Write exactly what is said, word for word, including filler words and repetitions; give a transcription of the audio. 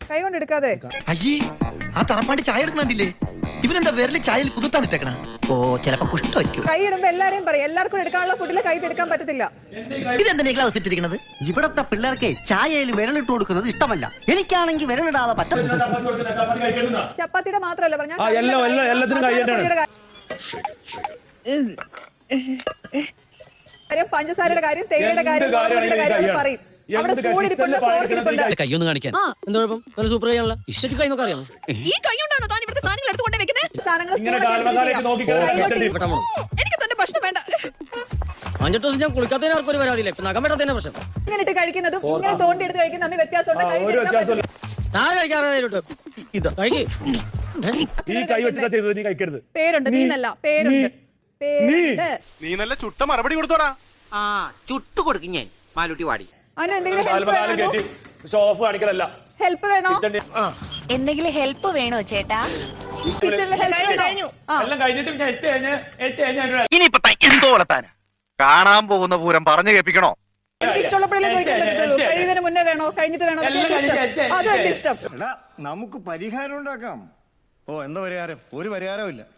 കൈ കൊണ്ട് എടുക്കാതെ. അയ്യേ, ആ തറപ്പാണ്ടി ചായ എടുക്കണില്ലേ? ഇവനെന്താ വിരല് ചായയിൽ കുതിർത്താനിട്ടേക്കണ? ഓ, ചിലപ്പോ കുഷ്ടമായിരിക്കും. കൈ ഇടുമ്പോ എല്ലാരെയും പറയും, എല്ലാവർക്കും എടുക്കാനുള്ള ഫുഡിൽ കൈ എടുക്കാൻ പറ്റത്തില്ല. ഇതെന്താ ഗ്ലൗസ് ഇട്ടിരിക്കണത്? ഇവിടത്തെ പിള്ളേർക്ക് ചായയിൽ വിരലിട്ട് കൊടുക്കുന്നത് ഇഷ്ടമല്ല. എനിക്കാണെങ്കിൽ വിരലിടാതെ പറ്റത്തില്ല. ചപ്പാത്തിയുടെ മാത്രമല്ല പറഞ്ഞ കാര്യം, പഞ്ചസാരയുടെ കാര്യം, തേയിലയുടെ കാര്യം, മുളകുപൊടിയുടെ കാര്യം പറയും. അവിടെ സ്പൂൺ ഇരിപ്പുണ്ട്, ഫോർക്ക് ഇരിപ്പുണ്ട്. കൈയൊന്ന് കാണിക്കാൻ എന്താ കുഴപ്പം? നല്ല സൂപ്പർ കൈയാണല്ലോ. ഇഷ്ടം കൈ നോക്കാൻ അറിയാമോ? ഈ കൈ കൊണ്ടാണോ താൻ ഇവിടുത്തെ സാധനങ്ങൾ എടുത്തുകൊണ്ട് വെക്കുന്നത്? സാധനങ്ങൾ എനിക്ക് തന്നെ ഭക്ഷണം വേണ്ട. അഞ്ചെട്ട് ദിവസം ഞാൻ കുളിക്കാത്തതിന് ആർക്കും ഒരു പരാതിയില്ല. ഇപ്പൊ നഖം വെട്ടത്തന്നെ പ്രശ്നം. ഇങ്ങനെ ഇട്ട് കഴിക്കുന്നതും ഇങ്ങനെ തോണ്ടി എടുത്ത് കഴിക്കുന്ന തമ്മിൽ വ്യത്യാസമുണ്ട്. ഞാൻ കഴിക്കാറുണ്ട്. ഇത് കഴിക്ക്. ഈ കൈ വെച്ചിട്ടാ ചെയ്തത്, നീ കഴിക്കരുത്. പേരുണ്ട്, നീന്നല്ല, പേരുണ്ട്. നീ നല്ല ചുട്ട മറുപടി കൊടുത്തോടാ. ആ ചുട്ടു കൊടുക്കും ഞാൻ മാലൂട്ടി വാടി. അതിന് എന്തെങ്കിലും ഹെൽപ്പ് വേണോ? ഷോഫ് കാണിക്കലല്ല. ഹെൽപ്പ് വേണോ? എന്തെങ്കിലും ഹെൽപ്പ് വേണോ ചേട്ടാ? കിച്ചണിൽ ഹെൽപ്പ് വേണോ? എല്ലാം കഴിഞ്ഞിട്ട് ഞാൻ എട്ട് കഴിഞ്ഞ് എട്ട് കഴിഞ്ഞ ഇനിയിപ്പോ എന്തോ വളർത്താനാ? കാണാൻ പോകുന്ന പൂരം പറഞ്ഞു കേൾപ്പിക്കണോ? എനിക്ക് ഇഷ്ടമുള്ളപ്പോഴേ ചോദിക്കാൻ പറ്റത്തുള്ളൂ. കഴിയുന്നതിന് മുന്നേ വേണോ കഴിഞ്ഞിട്ട് വേണോ? അതും എന്റെ ഇഷ്ടം. നമുക്ക് പരിഹാരം ഉണ്ടാക്കാം. ഓ എന്താ പരിഹാരം? ഒരു പരിഹാരവും ഇല്ല.